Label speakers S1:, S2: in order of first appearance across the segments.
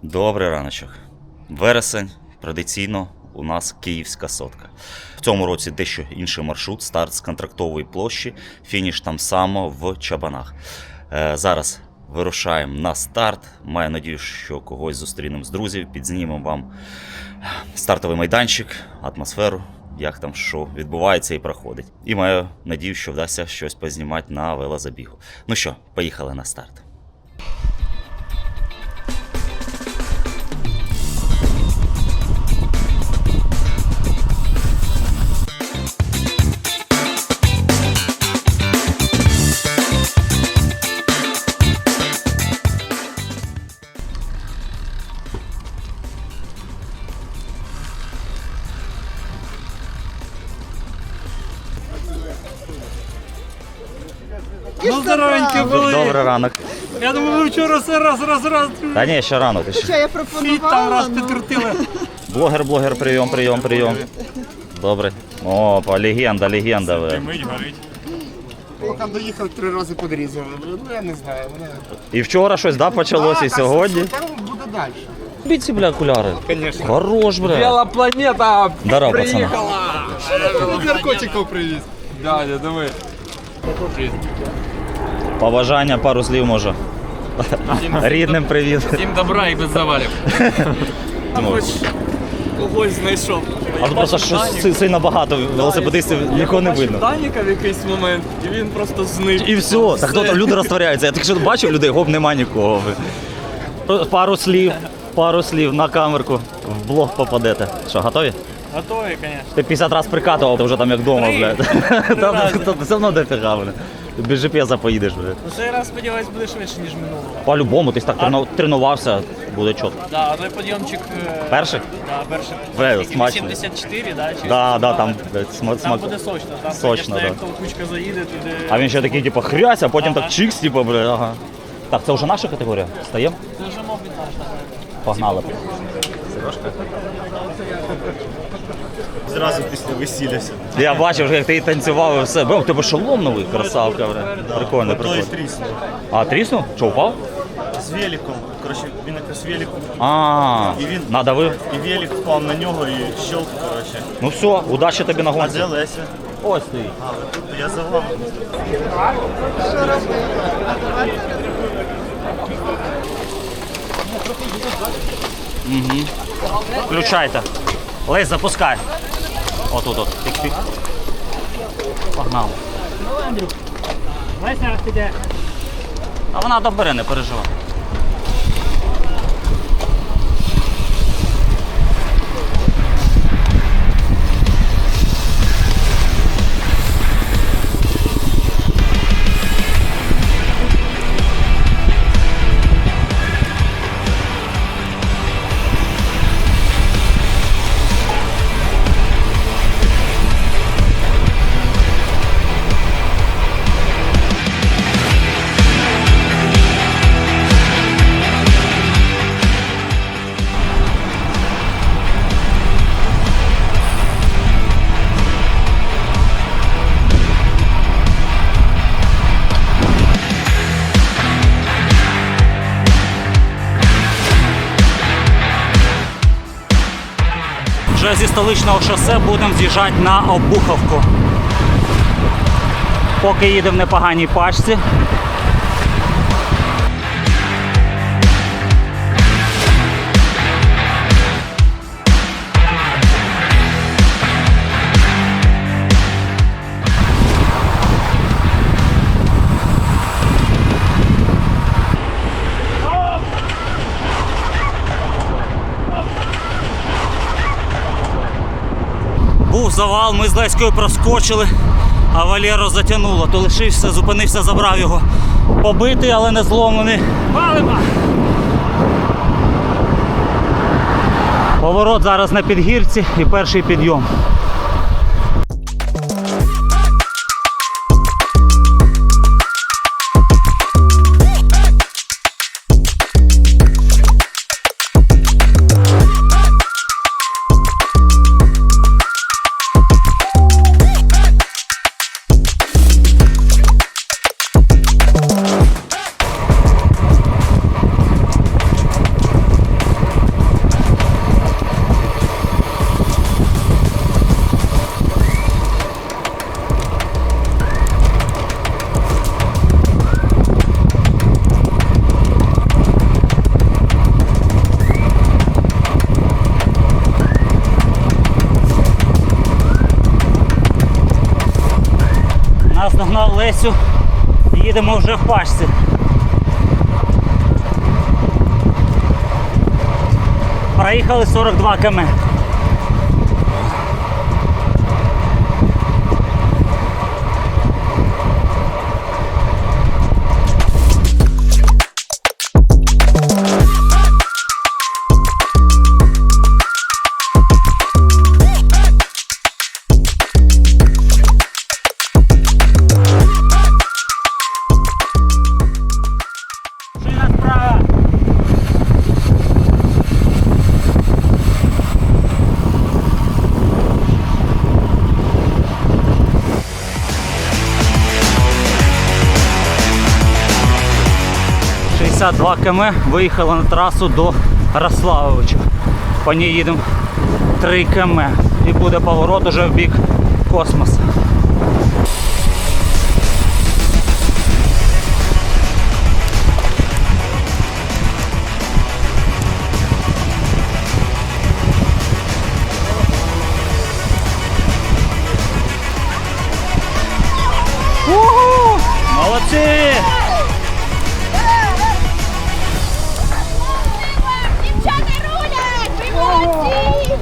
S1: Добрий раночок. Вересень, традиційно у нас київська сотка. В цьому році дещо інший маршрут, старт з контрактової площі, фініш там само в Чабанах. Зараз вирушаємо на старт. Маю надію, що когось зустрінемо з друзів, підзнімемо вам стартовий майданчик, атмосферу, як там що відбувається і проходить. І маю надію, що вдасться щось познімати на велозабігу. Ну що, поїхали на старт.
S2: Ну, здоровенькі були.
S1: Добрий ранок.
S2: Я думаю, ви вчора все раз.
S1: Та ні, ще рано. Ти
S3: Що я
S2: Фіт там
S3: пропонувала?
S2: раз підкрутили.
S1: Блогер, прийом. Добре. Опа, легенда ви.
S2: Мить горить.
S4: Поки доїхав 3 рази подрізали. Ну я не знаю.
S1: І вчора щось, да, почалося, і сьогодні.
S4: Там буде далі.
S1: Біці, бля, окуляри.
S4: Звісно.
S1: Хорош, бля.
S2: Біла планета
S1: Здорово, пацана.
S2: приїхала.
S4: Наркотиків привіз.
S2: Дядя, диви.
S1: Побажання, пару слів, може. Рідним привіт.
S2: Всім добра і без завалів. Хоч когось знайшов.
S1: А тут просто щось сильно багато велосипедистів, нікого не видно.
S2: Даніка в якийсь момент, і він просто зник.
S1: І все, так хто там люди розтворяються. Я тільки що бачив людей, гоп, нема нікого. Пару слів на камерку, в блог попадете. Що, готові?
S2: Готові, звісно.
S1: Ти 50 разів прикатував, ти вже там як вдома, блядь. Та все одно дофіга, блядь. Без GPS поїдеш, блядь.
S2: Ну, цей раз, сподіваюсь, буде швидше, ніж минулого.
S1: По-любому, ти ж так тренувався, буде чітко.
S2: Да, той підйомчик...
S1: Перший?
S2: Да, перший.
S1: Бля,
S2: Скільки,
S1: смачно.
S2: 84, да? Чи
S1: Да,
S2: 82?
S1: там, блядь,
S2: Там
S1: смак.
S2: буде сочно. Там,
S1: Сочно,
S2: звісно,
S1: да.
S2: як толкучка заїде, туди...
S1: А він ще такий, типу, хрясь, а потім
S2: Ага.
S1: так чикс, типу, блядь, ага. Так, це вже наша категорія? Стаємо?
S2: Це вже мов від наш,
S1: Погнали.
S4: Зразу після весілля.
S1: Я бачив, як ти танцював і все. Бо, у тебе шолом новий, красавка, блядь. Прикольно.
S4: Тріснув.
S1: А, тріснув? Що, упав?
S4: З великом. Коротше, він якось велик.
S1: А,
S4: І він-
S1: надавив.
S4: І велик впав на нього і щелк, коротше.
S1: Ну все, удачі тобі на
S4: А
S1: гонці.
S4: де Леся?
S1: Ось ти.
S4: А, ви тут, я за вами.
S1: Включайте. Лесь, запускай. Отут от. Тик-тик. Погнав. А вона добере, не переживай. Вже зі столичного шосе будемо з'їжджати на Обуховку. Поки їдемо в непоганій пачці. Був завал, ми з Леською проскочили, а Валєро затягнуло. То лишився, зупинився, забрав його. Побитий, але не зломлений. Валимо! Поворот зараз на підгірці і перший підйом.
S3: Олесю. Їдемо вже в пачці. Проїхали 42 км. Шина справа. «62 км, виїхали на трасу до Рославовича. По ній їдемо 3 км і буде поворот уже в бік космосу. Уху! Молодці!
S5: Дівчата рулять! Ви молодці!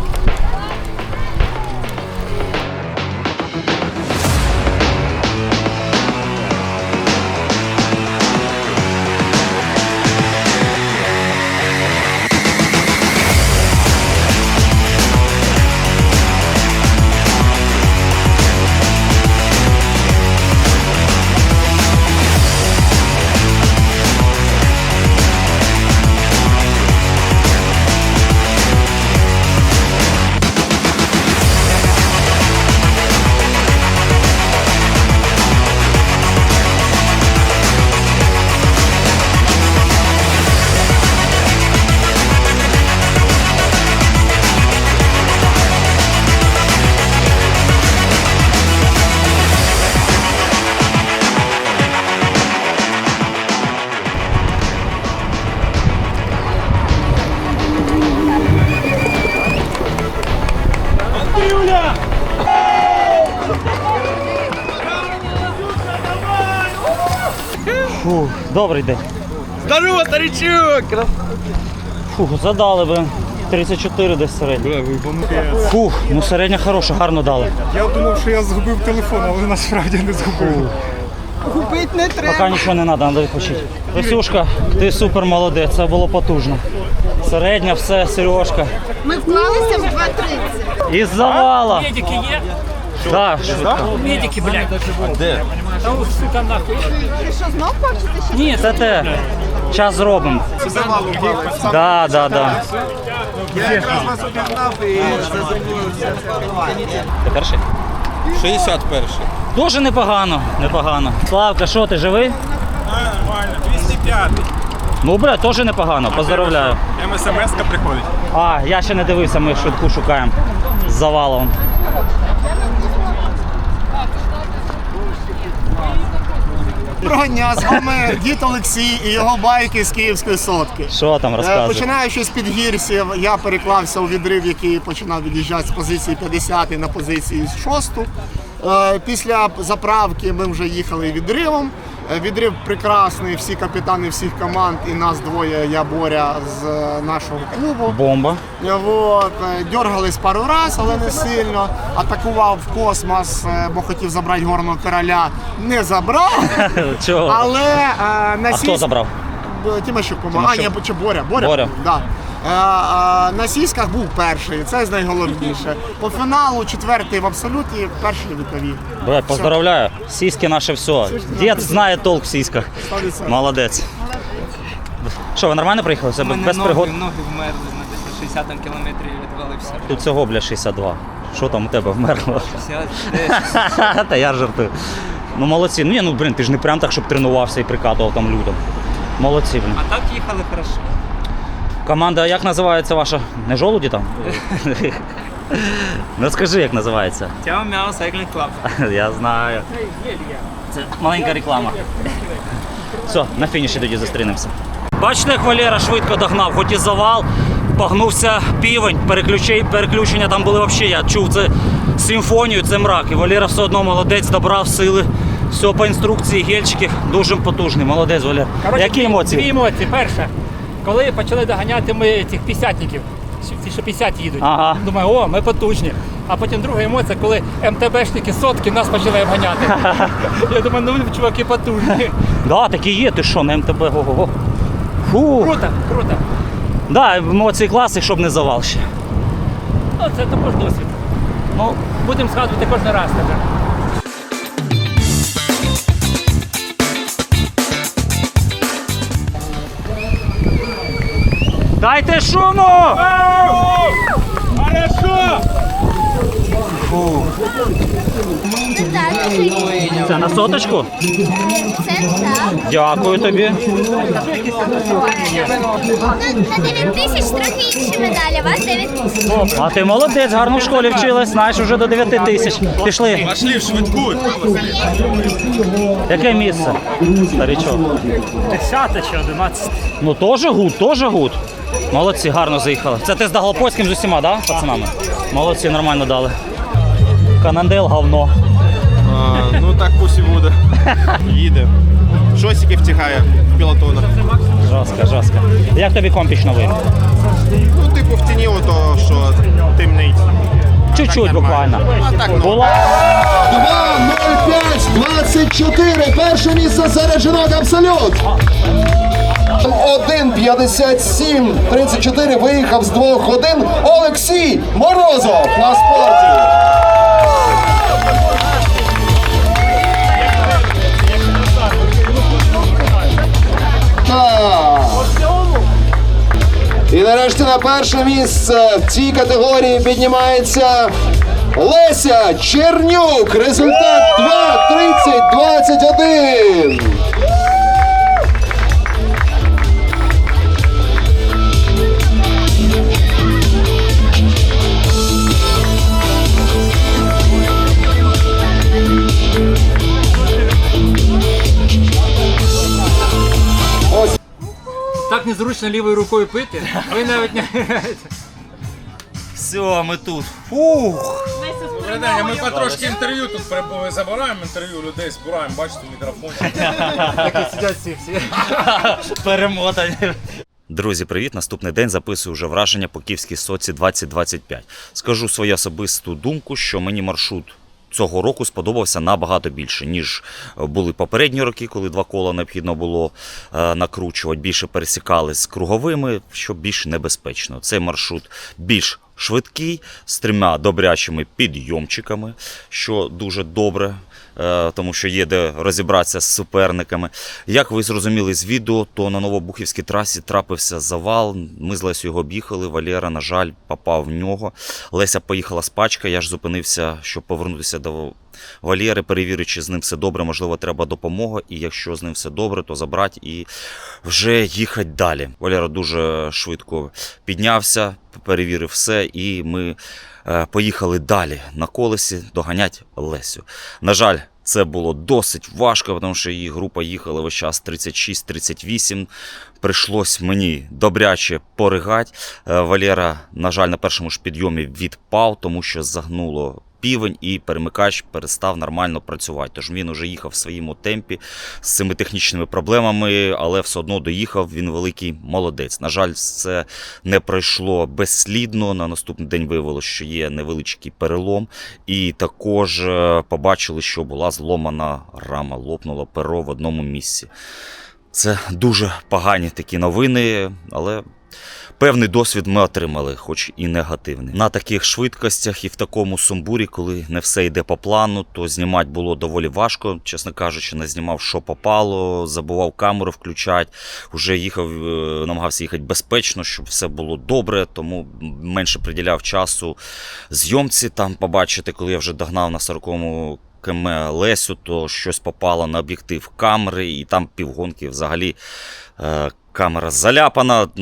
S3: Фух, добрий день.
S2: Здорово, старичок!
S3: Фух, задали би. 34 десь середня. Фух, ну середня хороша, гарно дали.
S4: Я думав, що я згубив телефон, але насправді не згубив. Губить не треба.
S3: Поки нічого не треба, треба відпочити. Лесюшка, ти супер молодець, це було потужно. Середня, все, Сережка.
S5: Ми вклалися в 2:30.
S3: Із завала.
S6: Медики є?
S3: Так, швидко.
S6: Медики, блядь. Де? Та ось, сука, нахуй.
S5: Ви що, знов хочете ще?
S3: Ні, це те. Час зробимо.
S4: Завалу впали.
S3: Да, да, да.
S4: Я якраз вас обігнав і зазумлився.
S3: Ти перший?
S2: 61-й.
S3: Дуже непогано, непогано. Славка, що ти живий?
S7: Нормально, 205.
S3: Ну, бля, теж непогано, поздравляю.
S7: МСМС-ка приходить.
S3: А, я ще не дивився, ми швидку шукаємо. З завалом.
S4: Доброго дня, з вами дід Олексій і його байки з Київської сотки.
S3: Що там розказує?
S4: Починаючи з підгірсів, я переклався у відрив, який починав від'їжджати з позиції 50 на позиції 6. Після заправки ми вже їхали відривом. Відрив прекрасний, всі капітани всіх команд і нас двоє, я Боря з нашого клубу.
S3: Бомба.
S4: Вот. Дергались пару раз, але не сильно. Атакував в космос, бо хотів забрати горного короля. Не забрав.
S3: Чого?
S4: Але на
S3: А хто забрав?
S4: Тимощук, по-моєму. А, ні, чи Боря.
S3: Боря.
S4: Да. На сіськах був перший, це найголовніше. По фіналу четвертий в абсолюті, перший вікові.
S3: Бля, поздравляю. Сіськи наше все. Дід знає толк в сіськах.
S4: 100%.
S3: Молодець. Що, ви нормально приїхали? Це без пригод?
S6: Ноги вмерли на 60-му кілометрі відвалився.
S3: Тут всього, бля, 62. Що там у тебе вмерло?
S6: 60,
S3: Та я жартую. Ну молодці. Ну, ну, блін, ти ж не прям так, щоб тренувався і прикатував там людям. Молодці, блін.
S6: А так їхали хорошо.
S3: Команда, як називається ваша? Не жолуді там? Ну скажи, як називається.
S6: Тяо Мяу Cycling Club.
S3: Я знаю. Це маленька реклама. Все, на фініші тоді зустрінемося. Бачите, як Валера швидко догнав, хоч і завал, погнувся півень, переключення там були взагалі, я чув це симфонію, це мрак. І Валера все одно молодець, добрав сили, Все по інструкції, гельчики, дуже потужний, молодець, Валер. Які емоції?
S6: Дві емоції. Перша, коли почали доганяти ми цих 50-ників, ті, що 50 їдуть.
S3: Ага.
S6: Думаю, о, ми потужні. А потім друга емоція, коли МТБшники сотки нас почали обганяти. Я думаю, ну чуваки потужні.
S3: Да, такі є, ти що, на МТБ, ого-го. Фу.
S6: Круто, круто.
S3: Да, емоції класи, щоб не завал ще.
S6: Ну, це також досвід. Ну, будемо згадувати кожен раз тепер.
S3: Дайте шуму! Це на соточку?
S5: Це так.
S3: Дякую тобі.
S5: На 9 тисяч трохи інші медалі, а вас 9 тисяч.
S3: А ти молодець, гарно в школі вчилась, знаєш, вже до 9 тисяч. Пішли.
S7: Пошли в швидку.
S3: Яке місце, старичок?
S6: 10 чи 11.
S3: Ну теж гуд, теж гуд. Молодці, гарно заїхали. Це ти з Даголопольським з усіма, да, пацанами? Молодці, нормально дали. Канандел говно.
S7: Ну так пусть і буде. Їде. Шосики втягає в пілотонах.
S3: Жорстко. Як тобі компіч новий?
S7: Ну, типу, в тіні ото, що темнить.
S3: Чуть-чуть буквально.
S7: А так, ну.
S3: Була.
S8: 2.05.24. Перше місце серед жінок абсолют. 1.57.34 виїхав з 2 годин Олексій Морозов на спорті. Так. І нарешті на перше місце в цій категорії піднімається Леся Чернюк. Результат 2.30.21.
S6: Так незручно лівою рукою пити, а ви навіть не...
S1: Все, ми тут. Фух.
S7: Добрий день, а ми потрошки інтерв'ю тут забираємо інтерв'ю людей, збираємо, бачите, мікрофон.
S6: Такі сидять всі.
S3: Перемотані.
S1: Друзі, привіт! Наступний день записую вже враження по Київській сотці 2025. Скажу свою особисту думку, що мені маршрут цього року сподобався набагато більше, ніж були попередні роки, коли 2 кола необхідно було накручувати. Більше пересікали з круговими, що більш небезпечно. Цей маршрут більш швидкий, з 3 добрячими підйомчиками, що дуже добре, тому що є де розібратися з суперниками. Як ви зрозуміли з відео, то на Новобухівській трасі трапився завал. Ми з Лесею його об'їхали, Валера, на жаль, попав в нього. Леся поїхала з пачка, я ж зупинився, щоб повернутися до Валєри, перевірити, чи з ним все добре, можливо, треба допомога, і якщо з ним все добре, то забрати і вже їхати далі. Валера дуже швидко піднявся, перевірив все, і ми поїхали далі на колесі доганяти Лесю. На жаль, це було досить важко, тому що її група їхала весь час 36-38. Прийшлось мені добряче поригати. Валера, на жаль, на першому ж підйомі відпав, тому що загнуло півень і перемикач перестав нормально працювати. Тож він уже їхав в своєму темпі з цими технічними проблемами, але все одно доїхав, він великий молодець. На жаль, це не пройшло безслідно. На наступний день виявилося, що є невеличкий перелом. І також побачили, що була зломана рама, лопнуло перо в одному місці. Це дуже погані такі новини, але певний досвід ми отримали, хоч і негативний. На таких швидкостях і в такому сумбурі, коли не все йде по плану, то знімати було доволі важко. Чесно кажучи, не знімав, що попало, забував камеру включати, вже їхав, намагався їхати безпечно, щоб все було добре, тому менше приділяв часу зйомці, там побачити, коли я вже догнав на 40-му км Лесю, то щось попало на об'єктив камери, і там півгонки взагалі камера заляпана. Ну,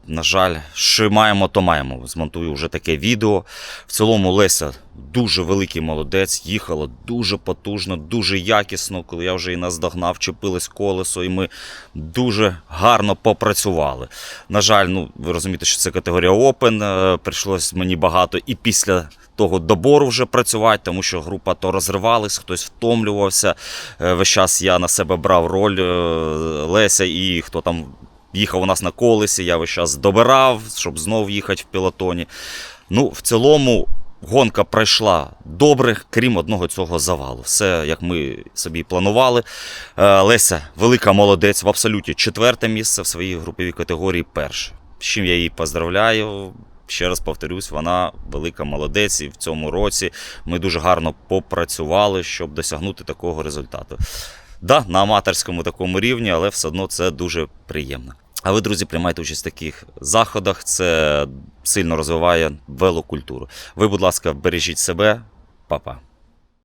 S1: на жаль, що маємо, то маємо. Змонтую вже таке відео. В цілому Леся дуже великий молодець, їхала дуже потужно, дуже якісно. Коли я вже її наздогнав, чепилось колесо, і ми дуже гарно попрацювали. На жаль, ну, ви розумієте, що це категорія Open, прийшлось мені багато і після того добору вже працювати, тому що група то розривалась, хтось втомлювався. Весь час я на себе брав роль Леся і хто там їхав у нас на колесі, я весь час добирав, щоб знов їхати в пілотоні. Ну, в цілому гонка пройшла добре, крім одного цього завалу. Все, як ми собі планували. Леся велика молодець, в абсолюті 4-те місце, в своїй груповій категорії 1-ше. З чим я її поздравляю. Ще раз повторюсь, вона велика молодець, і в цьому році ми дуже гарно попрацювали, щоб досягнути такого результату. Да, на аматорському такому рівні, але все одно це дуже приємно. А ви, друзі, приймайте участь в таких заходах, це сильно розвиває велокультуру. Ви, будь ласка, бережіть себе, па-па.